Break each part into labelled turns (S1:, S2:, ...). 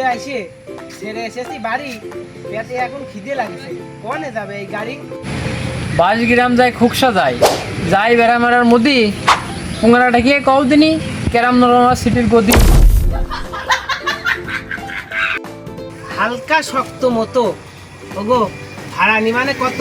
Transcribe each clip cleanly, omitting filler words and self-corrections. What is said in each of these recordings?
S1: আসে ছেড়ে এসেছি বাড়ি, পেটে এখন খিদে লাগছে। কোনে যাবে এই গাড়ি?
S2: 22 গ্রাম যায় খুকসা যায় যাই বেড়া মারার মুদি পুঙ্গারাটা গিয়ে কও দিনি কেরাম নরমা সিটির গদি।
S1: হালকা শক্ত মতো। ওগো ভাড়া নিমানে কত?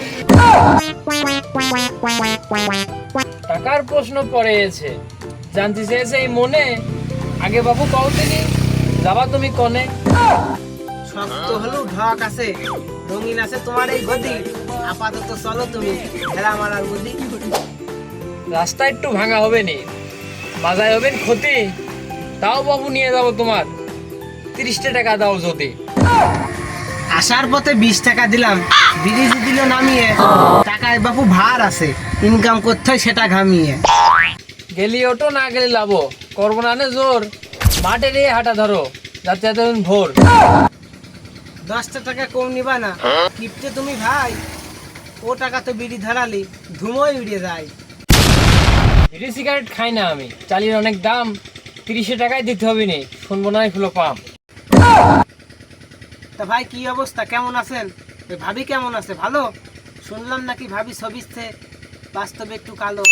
S2: টাকার প্রশ্ন পড়ে এসে জানতে চেয়েছে এই মনে, আগে বাবু কও দিনি যাবা তুমি কনে।
S1: শক্ত হলেও ঢক আছে, রঙিন আছে তোমার এই গদি। আপাতত চলো তুমি ভেড়া মারার গদি।
S2: রাস্তা একটু ভাঙা হবে নি, বাজায় হবেন ক্ষতি, তাও বাবু নিয়ে যাবো তোমার 30 টাকা দাও যদি।
S1: আসার পথে 20 টাকা দিলাম, ব্রিজ দিল নামিয়ে। টাকায় বাপু ভার আছে, ইনকাম করতে হয় সেটা ঘামিয়ে।
S2: গেলি ওটো না গেলি লাভো, করবো না নে জোর, মাঠে নিয়ে হাঁটা ধরো যাতে যাতে ভোর।
S1: 10 টাকা কম নিবা না কিপটে তুমি ভাই? ও টাকা তো বিড়ি ধরালি ধুমোই উড়ে যায়।
S2: বিড়ি সিগারেট খাই না আমি, চালির অনেক দাম, 30 টাকায় দিতে হবে নি, শুনবো না ফুলো পাম।
S1: তা ভাই কি অবস্থা, কেমন আছেন? ওই ভাবি কেমন আছে? ভালো? শুনলাম নাকি ভাবি ছবিতে বাস্তবে একটু কালো।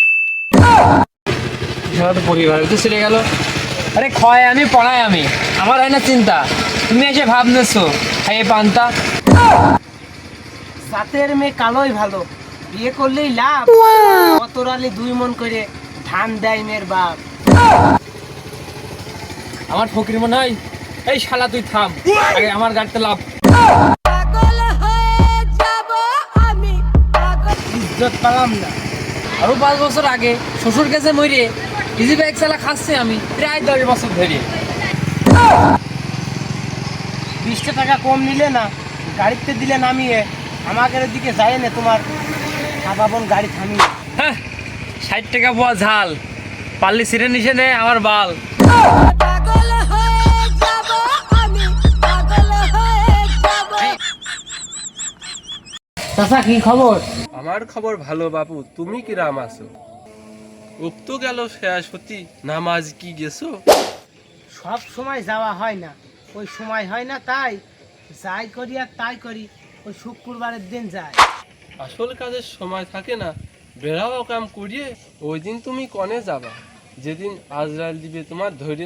S2: পরিবার তো ছেড়ে গেল। আরে ক্ষয় আমি পড়াই আমি, আমার হয় না চিন্তা, তুমি এসে ভাব নেছো খাইয়ে পান্তা।
S1: জাতের মেয়ে কালোই ভালো, বিয়ে করলেই লাভ। কত রালি 2 মন করে ধান দেয় মেয়ের বাপ।
S2: আমার ফকির মনে হয়, এই শালা তুই থাম, আগে আমার গাড়িতে লাভ।
S1: ইজ্জত পেলাম না।
S2: আরো 5 বছর আগে শ্বশুর কাছে মরে ইজি বাইক চালা খাচ্ছে আমি প্রায় 10 বছর ধরে।
S1: 20 টাকা কম নিলে না, গাড়িতে দিলে নামিয়ে। আমাদের দিকে যায় না তোমার বোন গাড়ি থামিয়ে।
S2: হ্যাঁ 60 টাকা পোয়া ঝাল, পাল্লি ছিঁড়ে নিচে নে আমার বাল।
S1: চাচা কি খবর?
S3: আমার খবর ভালো বাবু, তুমি কিরাম আছো? উক্ত গেল শেষ হতি, নামাজ কি গেছো?
S1: সব সময় যাওয়া হয় না, ওই সময় হয় না তাই যাই করি আর তাই করি। ওই শুক্রবারের দিন যায়।
S3: আসল কাজের সময় থাকে না, বেড়াও কাম করিয়ে। ওই দিন তুমি কনে যাবা যেদিন আজরাইল দিবে তোমার ধরে।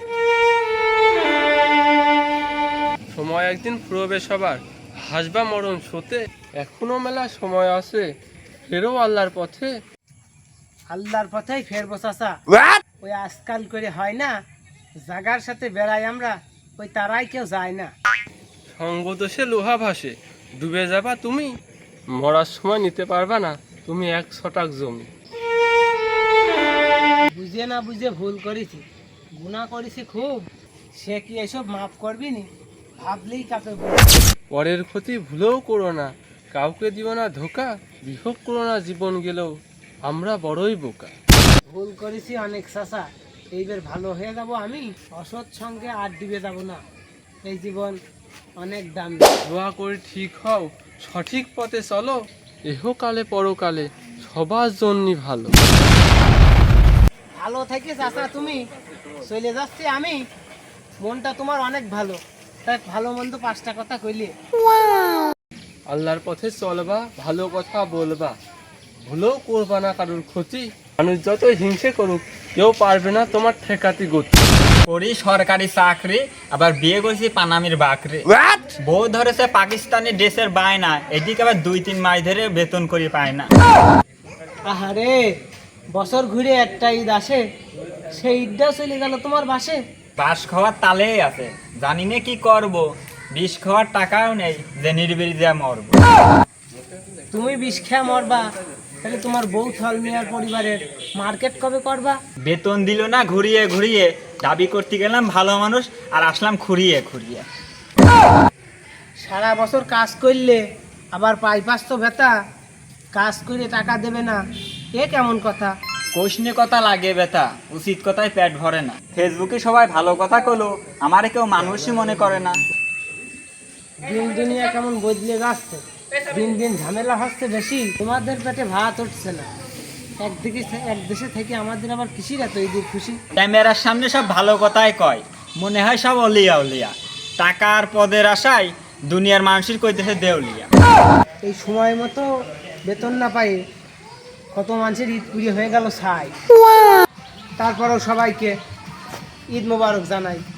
S3: সময় একদিন ফুরবে সবার, হাসবা মরণ শোতে। এখনো মেলা সময় আছে, ফেরো আল্লাহর পথে।
S1: আল্লাহর পথেই ফেরবো চাচা। ওই আজকাল করে হয় না, জাগার সাথে বেড়াই আমরা, ওই তারাই কেউ যায় না।
S3: সঙ্গ দোষে লোহা ভাসে, ডুবে যাবা তুমি। মরার সময় নিতে পারবা না তুমি 1 শতাক জমি।
S1: বুঝে না বুঝে ভুল করেছি, গুনাহ করেছি খুব। সে কি এসব মাফ করবি নি? ভাবলেই কাপে বুক।
S3: পরের ক্ষতি ভুলেও করো না, কাউকে দিও না ধোকা। বিভোগ করো না জীবন গেলেও, আমরা বড়ই বোকা।
S1: ভুল করেছি অনেক চাচা, এইবার ভালো হয়ে যাব আমি। অসৎ সঙ্গে আর ডুবে যাব না, এই জীবন অনেক দামি।
S3: দোয়া করে ঠিক হও, সঠিক পথে চলো। এহকালে পরকালে সবার জন্যই ভালো।
S1: ভালো থেকে চাচা তুমি, চলে যাচ্ছি আমি। মনটা তোমার অনেক ভালো, তাই ভালো মন্দ 5টা কথা কইলে।
S3: আল্লাহর পথে চলবা, ভালো কথা বলবা, ভুলেও করবা না কারোর ক্ষতি। মানুষ যতই হিংসে করুক, কেউ পারবে না তোমার ঠেকাতি গতি।
S4: করি সরকারি চাকরি, আবার বিয়ে করছি পানামির বাকরি। বউ ধরেছে পাকিস্তানি ড্রেসের বায়না, এদিকে আবার 2-3 মাস ধরে বেতন করে পায় না।
S1: আহারে, বছর ঘুরে একটা ঈদ আসে, সেই ঈদটাও চলে গেল তোমার বাসে।
S4: বাস খাওয়ার তালেই আছে, জানি না কি করব, বিষ খাওয়ার টাকাও নেই যে নির্বিড়ি যা মরবো।
S1: তুমি বিষ খেয়া মরবা, তাহলে তোমার বউ থল মিয়ার পরিবারের মার্কেট কবে করবা?
S4: বেতন দিল না ঘুরিয়ে ঘুরিয়ে, দাবি করতে গেলাম ভালো মানুষ আর আসলাম খুঁড়িয়ে খুঁড়িয়ে।
S1: সারা বছর কাজ করলে আবার পাইপাস তো ভেতা, কাজ করে টাকা দেবে না, এ কেমন কথা?
S4: কোশনি কথা লাগে বেতা, উচিত কথায় পেট ভরে না। ফেসবুকে সবাই ভালো কথা কলো, আমারে কেউ মানুষই মনে করে না।
S1: দিন দুনিয়া কেমন বদলে যাচ্ছে, দিন দিন ঝামেলা হচ্ছে বেশি, তোমাদের পেটে ভাত উঠছে না। এক দেশে থেকে আমাদের আবার কৃষির এত ঈদের খুশি।
S4: ক্যামেরার সামনে সব ভালো কথাই কয়, মনে হয় সব অলিয়া উলিয়া, টাকার পদের আশায় দুনিয়ার মানুষের কইতেছে দেউলিয়া।
S1: এই সময় মতো বেতন না পাই কত মানুষের ঈদ পুড়িয়ে হয়ে গেল ছাই। তারপরেও সবাইকে ঈদ মোবারক জানাই।